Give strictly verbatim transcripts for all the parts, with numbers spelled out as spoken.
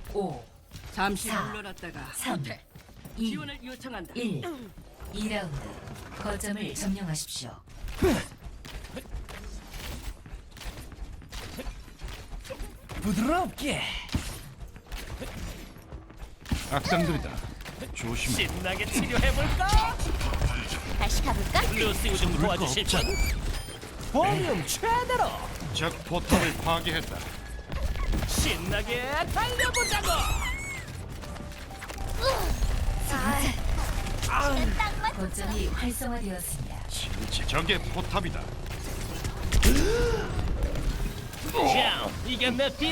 오, 잠시 사, 물러났다가 삼, 후퇴. 이, 지원을 요청한다. 일. 이 라운드 거점을 점령하십시오. 부드럽게 악당들이다. 조심해. 신나게 치료해볼까? 다시 가볼까? 루시 좀 도와주실 분? 볼륨 최대로 적 포탑을 파괴했다. 신나게 달려보자고! 딱 맞. 거점이 활성화되었습니다. 진짜 적의 포탑이다. 자, 이게 내 비트!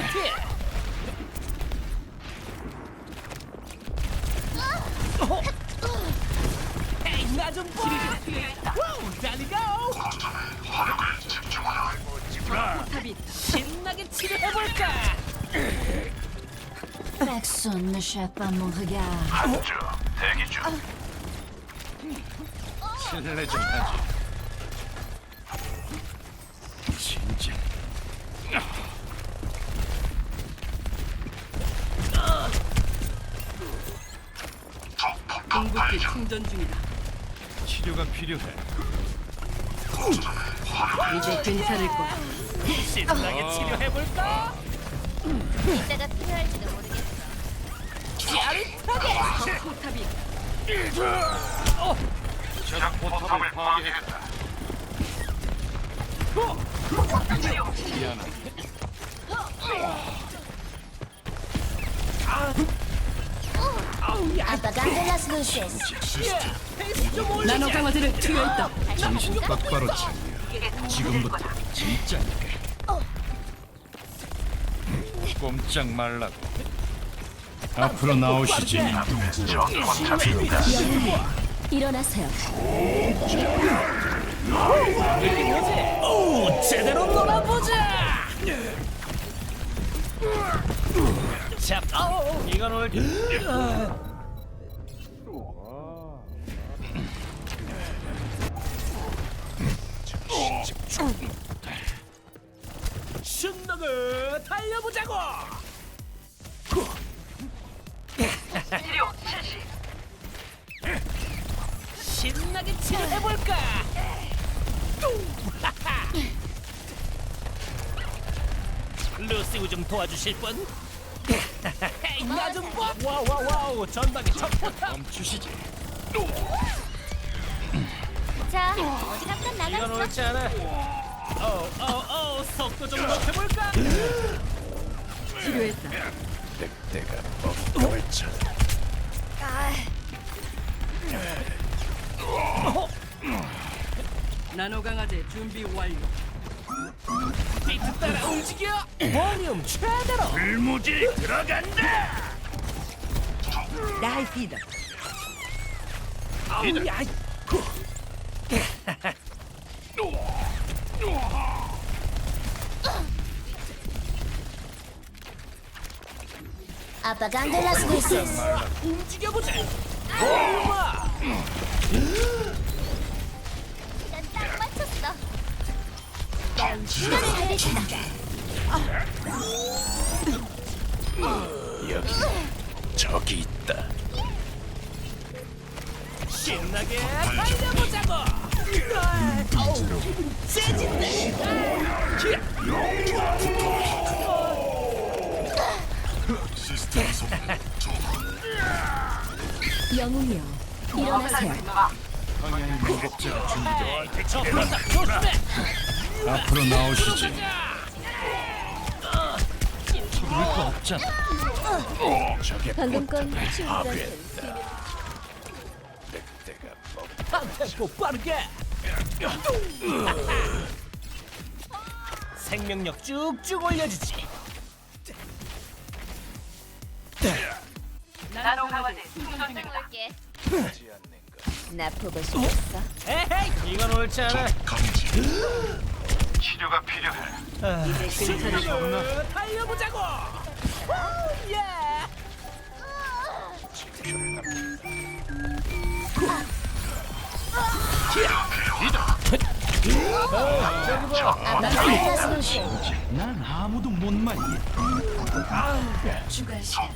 어? 헤이, 나좀 봐! 와우, 달리고! 포탑이 있다. 신나게 치료해볼까? Personne ne chape pas mon regard. 실례 좀 하지. 진짜. 궁극기 충전 중이다. 치료가 필요해. 이제 괜찮을 거야. 신나게 치료해볼까? 이따가 필요할지도 모르겠어. 짜릿하게! 포탑이 있다. 적 포탑을 파괴했다. 미안하다. Apagando las luces. 나노 강화제를 투여했다. 정신 똑바로 차려. 지금부터 진짜니까. 꼼짝 말라고. 앞으로 나오시지. 일어나세요. 오, 제대로 놀아보자! 자, 아우, 이건 올. 신나게 달려보자고! 신나게 치료해볼까? 루시 좀 도와주실 분? 나좀 봐! 와와와우 전방에 첫 포탑! 멈추시지. 자, 어디 잠깐 이건 나갔어? 옳지 않아. 어어어 속도 좀 높여볼까? 치료했다. 내가 법을 쳐. 나노 강화제 준비 완료. 비트 따라 움직여! 볼륨 최대로! 불무지 들어간다. 나이 피다. 아우 야! Apagando las luces. 움직여보자! 볼륨아! 딱 맞췄어. 시간을 달리신다. 여기 적이 있다. 신나게 달려보자고! 아, 어우, 세진네! 영웅이여, 일어나세요. 방향 무법자가 준비돼. 저 포탑 조심해! 앞으로 나오시지. 서둘릴 거 없잖아. 적의 방금 건 포탑을 충전. 파괴했다. 늑대가 법. 템포 빠르게! 생명력 쭉쭉 올려주지! 나노 강화제 볼게. 나 보고 싶었어. 에헤이! 이건 옳지 않아! 치료가 필요해. 이제 괜찮을 거야. 신나게 달려보자고! 우, 예! 난 아무도 못 말리. 추가 시간.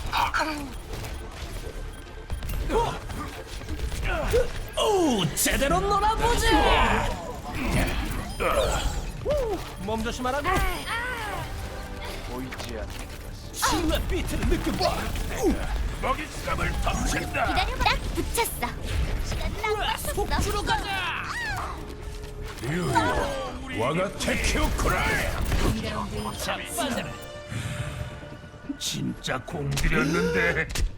오, 제대로 놀아보자. 몸 조심하라고. 보이지 않는 신라 비트를 느껴봐. 먹잇감을 덮친다. 기다려봐. 딱 붙였어. 시간 딱 맞췄어. 속주로 가자. 와가 테키오쿠라. 이 라운드 자, 빠져라. 진짜 공들였는데.